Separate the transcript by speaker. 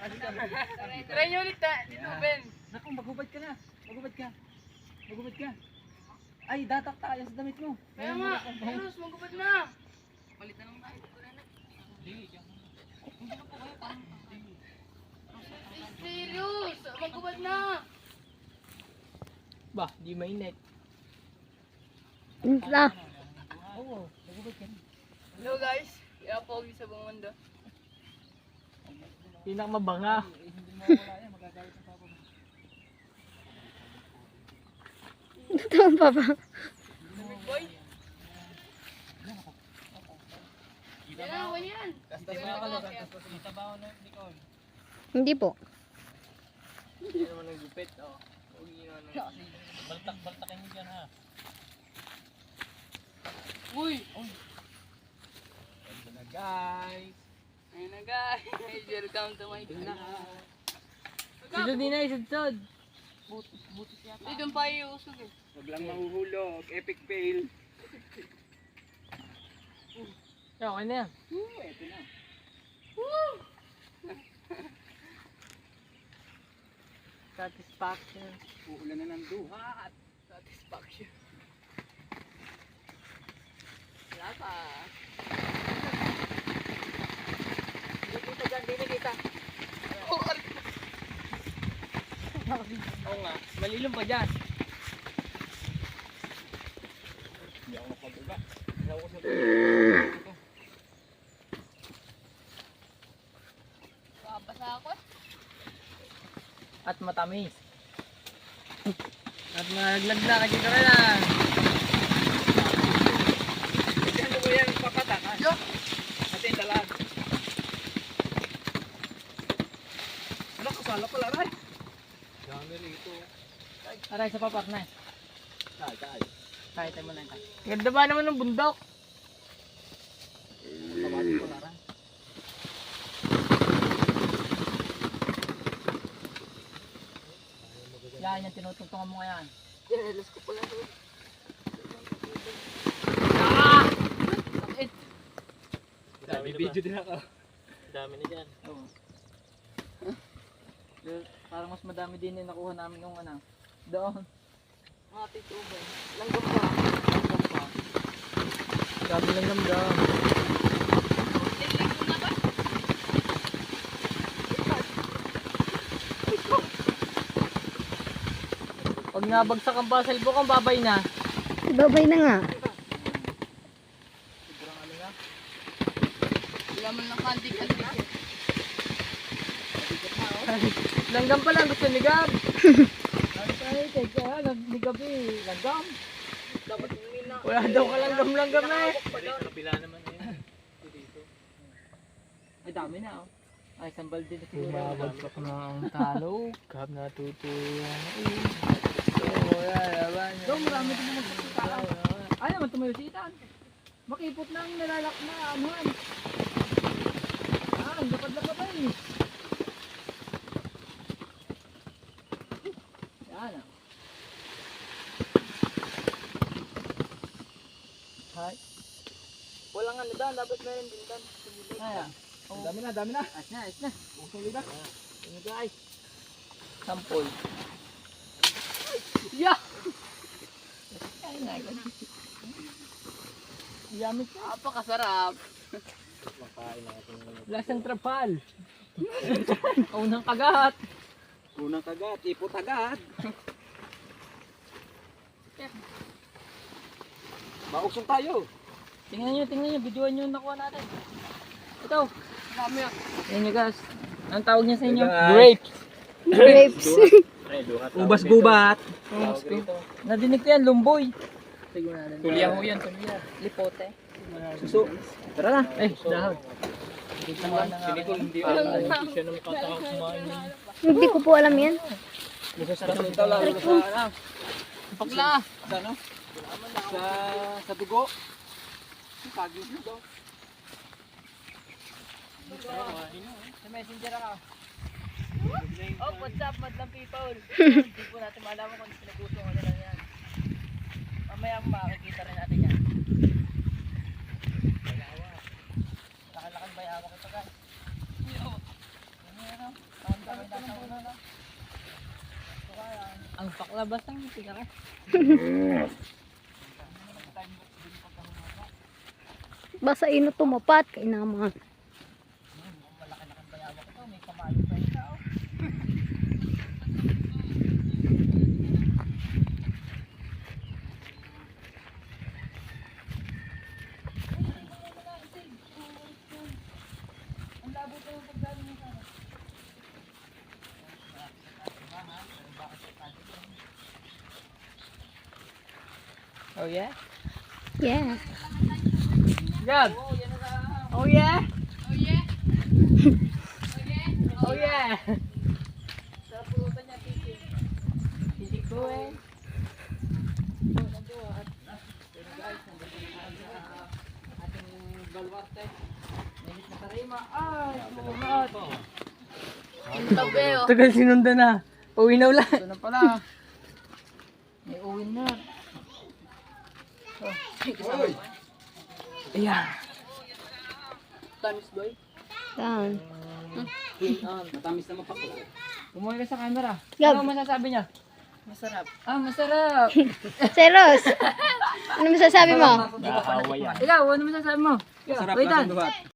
Speaker 1: Try nyo ulit dito, Ben.
Speaker 2: Naku, magubad ka na. Magubad ka. Magubad ka. Ay, datak tayo sa damit mo.
Speaker 1: Kaya nga, Eros, magubad na.
Speaker 2: Palit na lang tayo.
Speaker 1: Serious, magubad na.
Speaker 2: Bah, di mainit.
Speaker 3: Inta.
Speaker 2: Oo, magubad ka na.
Speaker 1: Hello guys, kaya pogi sa buong mundo.
Speaker 2: Pinakamabanga. Hindi mo wala yan, magagalit ang papa mo.
Speaker 3: Ito ang papa.
Speaker 1: Big boy. Yan na, huwag yan.
Speaker 3: Hindi po.
Speaker 2: Hindi naman nagupit. Baltak-baltakin mo dyan ha.
Speaker 1: Uy!
Speaker 2: Ganda na guys.
Speaker 1: Ayun na guys, welcome to my channel.
Speaker 2: Sudod din na, sudod.
Speaker 1: Hindi doon pa iusog eh.
Speaker 4: Huwag lang mahuhulog. Epic fail.
Speaker 2: Okay na yan.
Speaker 4: Ito na.
Speaker 2: Satisfaction.
Speaker 4: Uulan na ng duhat.
Speaker 1: Satisfaction. Wala pa.
Speaker 2: Hindi kita dyan, hindi kita. Oo nga, malilong pa dyan.
Speaker 4: Hindi ako makabuga.
Speaker 2: Hindi ako sa
Speaker 1: Babasa ako eh.
Speaker 2: At matamis. At malaglag na kasi ka na.
Speaker 4: Diyan mo yan papatakan.
Speaker 1: Yo!
Speaker 4: Atin talag. Ano, kasala pala rin. Dami rito.
Speaker 2: Aray sa papak na.
Speaker 4: Tay.
Speaker 2: Kahit mo na ito. Ganda ba naman ng bundok?
Speaker 4: Tawagin ko na rin.
Speaker 2: Yan yung tinutungtungan mo ngayon.
Speaker 1: Dinelos ko pala doon.
Speaker 2: Sakit!
Speaker 4: Dami video din ako.
Speaker 2: Dami na dyan. Oo. Parang mas madami din yung nakuha namin nung ano. Doon.
Speaker 1: Mga tituban. Langgam pa.
Speaker 2: Langgam pa. Dami langgam doon.
Speaker 1: Liliko na ba?
Speaker 2: Pag nabagsak ang basalbok, ang babay na.
Speaker 3: Babay na nga.
Speaker 2: Sobrang ano na.
Speaker 1: Wala man lang kandik-kandik eh.
Speaker 2: Langgam pa lang, gusto ni Gab. Ay, teka, nagligab eh. Langgam.
Speaker 1: Dapat hindi na.
Speaker 2: Wala daw ka langgam-langgam na eh.
Speaker 4: Sa kabila naman na yan. Dito.
Speaker 2: Ay, dami na oh. Ay, isang balde na siguro. Bumabagsak na ang talo. Gab natutuyan. So, marami din naman magsitaan. Ay, naman tumayositan. Makipot na ang nilalak na anuhan. Ah, ang lapad-lapad na eh. Yan ah. Hi.
Speaker 1: Walang ano doon, dapat meron din doon.
Speaker 2: Ay ah.
Speaker 4: Ang dami na, dami na.
Speaker 2: Ayos na, ayos na.
Speaker 4: Usuli na.
Speaker 2: Ano guys? Sampol. Yeah! Ay, nagal. Yummy ka.
Speaker 1: Napakasarap.
Speaker 4: Makain natin.
Speaker 2: Lasang trapal. Unang kagat.
Speaker 4: Unang kagat, ipot agad. Mausong tayo.
Speaker 2: Tingnan nyo. Videoan nyo yung nakuha natin. Ito.
Speaker 1: Marami ah.
Speaker 2: Yan nyo guys. Anong tawag niya sa inyo?
Speaker 4: Hey, guys.
Speaker 2: Grapes.
Speaker 3: Grapes.
Speaker 4: Ubas gubat.
Speaker 2: Nadinig ko yan, lumboy. Siguro natin.
Speaker 4: Tulya ho yan, tulya.
Speaker 2: Lipote.
Speaker 4: Suso. Tara na.
Speaker 2: Eh, dahon. Kita nga na nga.
Speaker 4: Hindi alam. Siya na makatakang kumain.
Speaker 3: Hindi ko po alam yan.
Speaker 4: Sa ito lang. Sa ano?
Speaker 1: Pagla.
Speaker 4: Sa ano? Sa dugo. Kagyo dugo.
Speaker 2: Sa messenger ako.
Speaker 1: Oh, what's up, madlang people? Hindi po natin malaman kung pinagusto ko nila yan. Mamaya makikita rin natin yan. Lakan-lakan ba yawa kita guys? labas ng tika ka.
Speaker 3: Basta ino tumapat kay naman.
Speaker 1: Oh yeah?
Speaker 3: Yeah.
Speaker 1: Gab! Oh yeah? Oh yeah? Oh yeah? Sa pulutan niya, titi. Titi ko eh. Pero guys, nandito na tayo sa ating balwarte. Nahit na tarima. Ay, sumunod. Ang tabi oh.
Speaker 2: Tagal sinunda na. Uwi na ulit.
Speaker 1: Ito na pala. May uwi na. Oh,
Speaker 4: Hoy!
Speaker 2: Ayan.
Speaker 1: Tamis boy.
Speaker 3: Yan.
Speaker 4: Matamis naman pa ko.
Speaker 2: Umuwi ka sa camera.
Speaker 3: Gab.
Speaker 2: Ano masasabi niya?
Speaker 1: Masarap.
Speaker 2: Ah, masarap.
Speaker 3: Seros. Ano masasabi mo?
Speaker 4: Nakahawa yan.
Speaker 2: Ikaw, ano masasabi mo?
Speaker 4: Masarap
Speaker 2: Wait,
Speaker 4: na
Speaker 2: Dan.
Speaker 4: duhat.